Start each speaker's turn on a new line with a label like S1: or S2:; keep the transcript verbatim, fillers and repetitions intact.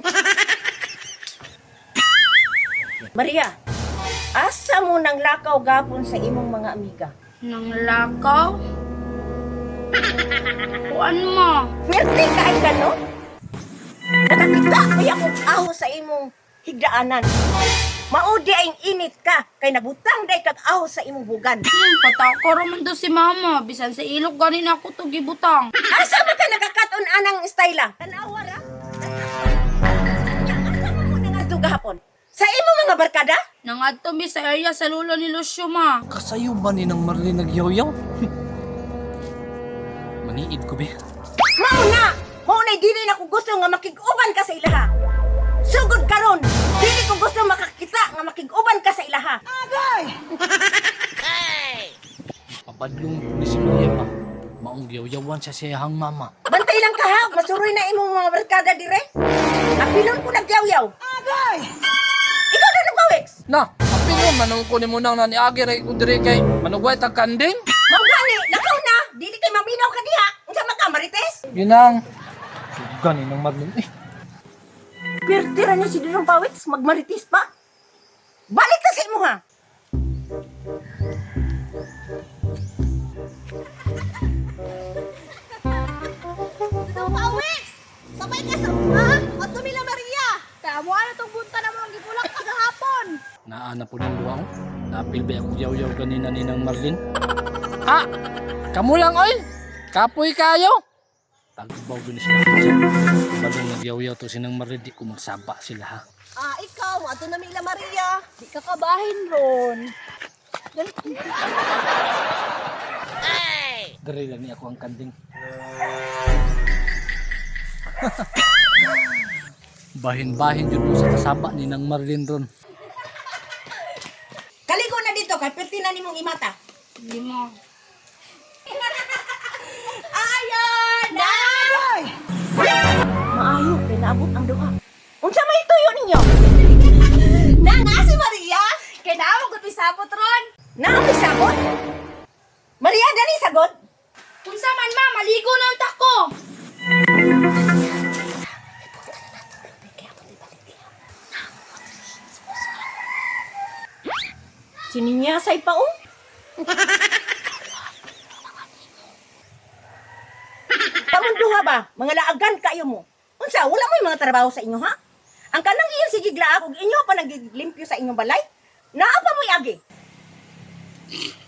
S1: Maria, asa mo nang lakaw gapon sa imong mga amiga?
S2: Nang lakaw? Kuan mo?
S1: Swerte ka ay gano? Nakakita kaya akong aho sa imong higdaanan. Maudi ay init ka, kay nabutang day kag aho sa imong bugan.
S2: Hmm, patako raman do si mama. Bisan sa ilog ganin ako to gibutang.
S1: Asa man ka nagakaton anang styla? Tanawa ra? Asa mo mo nangadto gahapon? Sa imong mga barkada?
S2: Nangadto mi sa area sa lulo ni Lucio ma.
S3: Kasayo ba ni nang Marlene nagyaw-yaw? Maniid ko, be.
S1: Mao na! Mao na dili na ko gusto nga makig-uban ka sa ilaha. Sugod karon, dili ko gusto makakita nga makig-uban ka sa ilaha. Agay!
S3: Papadlong ni si Maria pa. Maong yaw-yawan sa siyahang mama.
S1: Bantay lang ka ha, masuroy na imong mga barkada dire. Napilon ko nagyaw-yaw. Agay! Ikaw na nagpawiks!
S3: Na, apilon manong ko ni mo nang nani agi ray ko dire kay manugway tag kanding.
S1: Mao gani, lakaw na! Dili kay maminaw ka diha. Unsa man ka marites?
S3: Ginang. Gani nang Marlene. Eh,
S1: Pirtira niya si Dudong Pawiks, magmaritis pa. Balik ka sa imo ha.
S4: Dudong Pawiks! Sabay ka sa ha? At tumila Maria! Kamu ano tong bunta na mong gibulak kagahapon?
S3: naana po ng luwang. Napil ba ako yaw-yaw ganina ni nang Marlene? Ha? Kamu lang oy. Kapoy kayo. Tagbaw gini sila. Bagong nagyaw-yaw to sinang Marlene, di ko magsaba sila ha.
S4: Ah, ikaw, ato na mila Maria. Di ka kabahin ron.
S3: Dari lang ni ako ang kanding. Bahin-bahin yun po sa kasaba ni nang Marlene ron.
S1: Kaligo na dito, kay pirti na nimong imata.
S2: Hindi mo.
S1: Ayon! Nay! Maayo, pinabot ang duha. Unsa may tuyo ninyo?
S4: Na nga si Maria! Kailangan ko pisabot ron.
S1: Naami sagot? Maria, dali sagot?
S2: Unsa man ma, maligo na ang tako.
S1: Sininyasay pa oh. Kamon duha ba? Mga laagan kayo mo. Unsa, wala mo yung mga trabaho sa inyo ha? Ang kanang iyon si Giglaag ug inyo pa naglimpyo sa inyong balay? Naa pa mo'y agi.